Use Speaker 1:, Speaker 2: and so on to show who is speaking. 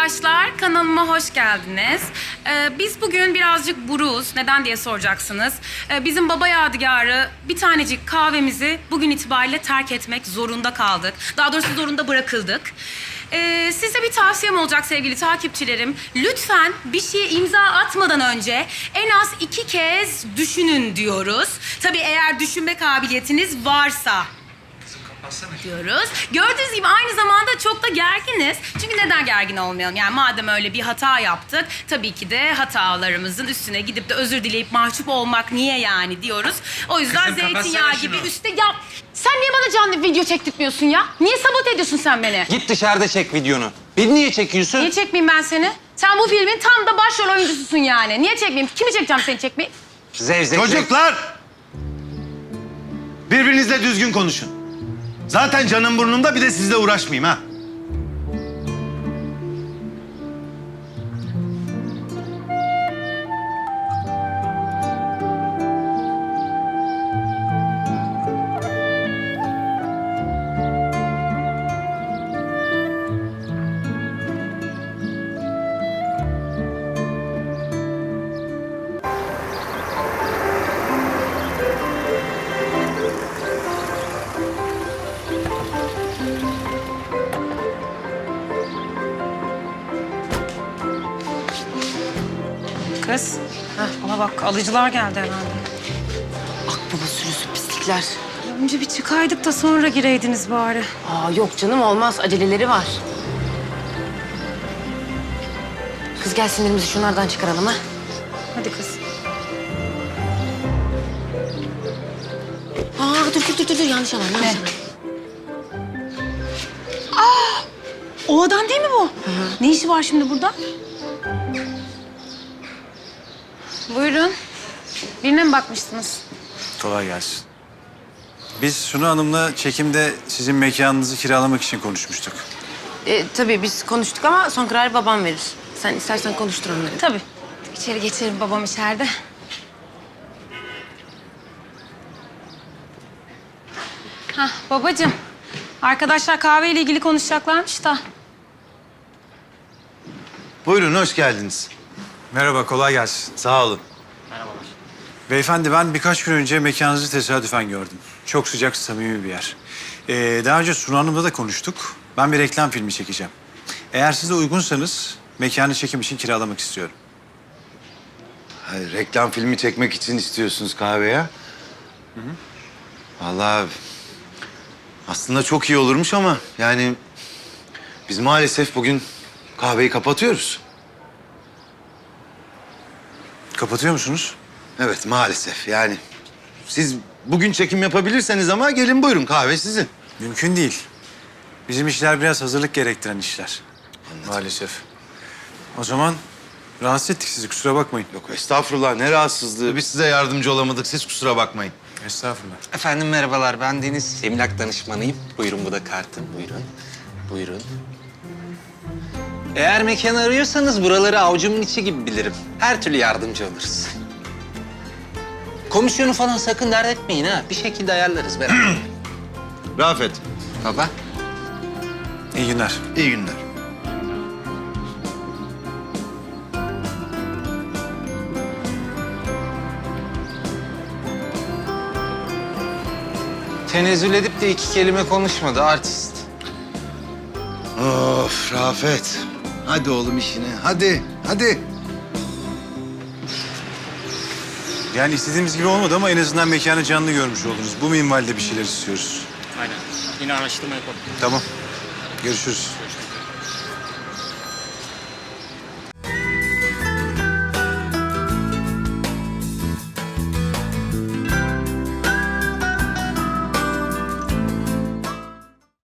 Speaker 1: arkadaşlar, kanalıma hoş geldiniz. Biz bugün birazcık buruz. Neden diye soracaksınız. Bizim baba yadigarı bir tanecik kahvemizi bugün itibariyle terk etmek zorunda kaldık. Daha doğrusu zorunda bırakıldık. Size bir tavsiyem olacak sevgili takipçilerim. Lütfen bir şeye imza atmadan önce en az 2 kez düşünün diyoruz. Tabii eğer düşünme kabiliyetiniz varsa diyoruz. Gördüğünüz gibi aynı zamanda çok da gerginiz. Çünkü neden gergin olmayalım? Yani madem öyle bir hata yaptık, tabii ki de hatalarımızın üstüne gidip de özür dileyip mahcup olmak niye yani diyoruz. O yüzden
Speaker 2: Kızım,
Speaker 1: zeytinyağı
Speaker 2: kapatsana
Speaker 1: gibi
Speaker 2: şunu.
Speaker 1: üstte... Ya sen niye bana canlı video çektirtmiyorsun ya? Niye sabote ediyorsun sen beni?
Speaker 3: Git dışarıda çek videonu. Beni niye çekiyorsun?
Speaker 1: Niye çekmeyeyim ben seni? Sen bu filmin tam da başrol oyuncususun yani. Niye çekmeyeyim? Kimi çekeceğim seni çekmeyi?
Speaker 3: Zevzek.
Speaker 2: Çocuklar! Birbirinizle düzgün konuşun. Zaten canım burnumda, bir de sizle uğraşmayayım ha.
Speaker 1: Kız, ama bak alıcılar geldi herhalde.
Speaker 4: Akbaba sürüsü pislikler.
Speaker 1: Önce bir çıkaydık da sonra gireydiniz bari.
Speaker 4: Aa yok canım olmaz. Aceleleri var. Kız gel sinirimizi şunlardan çıkaralım ha.
Speaker 1: Hadi kız.
Speaker 4: Aa dur yanlış alan yanlış alan.
Speaker 1: O adam değil mi bu? Ne işi var şimdi burada? Buyurun. Birine mi bakmıştınız?
Speaker 5: Kolay gelsin. Biz Sunu Hanım'la çekimde sizin mekanınızı kiralamak için konuşmuştuk.
Speaker 4: Tabii biz konuştuk ama son kararı babam verir. Sen istersen konuştur onları.
Speaker 1: Tabii. İçeri geçelim, babam içeride. Hah, babacığım. Arkadaşlar kahveyle ilgili konuşacaklarmış da.
Speaker 2: Buyurun, hoş geldiniz.
Speaker 5: Merhaba, kolay gelsin.
Speaker 2: Sağ olun.
Speaker 5: Beyefendi, ben birkaç gün önce mekanınızı tesadüfen gördüm. Çok sıcak, samimi bir yer. Daha önce Sunu Hanım'la da konuştuk. Ben bir reklam filmi çekeceğim. Eğer siz de uygunsanız mekanı çekim için kiralamak istiyorum.
Speaker 2: Hayır, reklam filmi çekmek için istiyorsunuz kahveye. Vallahi aslında çok iyi olurmuş ama yani biz maalesef bugün kahveyi kapatıyoruz.
Speaker 5: Kapatıyor musunuz?
Speaker 2: Evet, maalesef yani. Siz bugün çekim yapabilirseniz ama gelin buyurun, kahve sizin.
Speaker 5: Mümkün değil. Bizim işler biraz hazırlık gerektiren işler. Maalesef. O zaman rahatsız ettik sizi, kusura bakmayın.
Speaker 2: Yok estağfurullah, ne rahatsızlığı. Biz size yardımcı olamadık, siz kusura bakmayın.
Speaker 5: Estağfurullah.
Speaker 3: Efendim merhabalar, ben Deniz. Emlak danışmanıyım. Buyurun, bu da kartım. Buyurun. Buyurun. Eğer mekan arıyorsanız buraları avucumun içi gibi bilirim. Her türlü yardımcı oluruz. Komisyonu falan sakın dert etmeyin ha. Bir şekilde ayarlarız beraber.
Speaker 2: Rafet,
Speaker 3: Baba.
Speaker 5: İyi günler.
Speaker 2: iyi günler.
Speaker 3: Tenezzül edip de 2 kelime konuşmadı artist.
Speaker 2: Of Rafet. Hadi oğlum işine, hadi.
Speaker 5: Yani istediğimiz gibi olmadı ama en azından mekanı canlı görmüş oldunuz. Bu minvalde bir şeyler istiyoruz.
Speaker 6: Aynen. Yine araştırma yapalım.
Speaker 5: Tamam. Görüşürüz.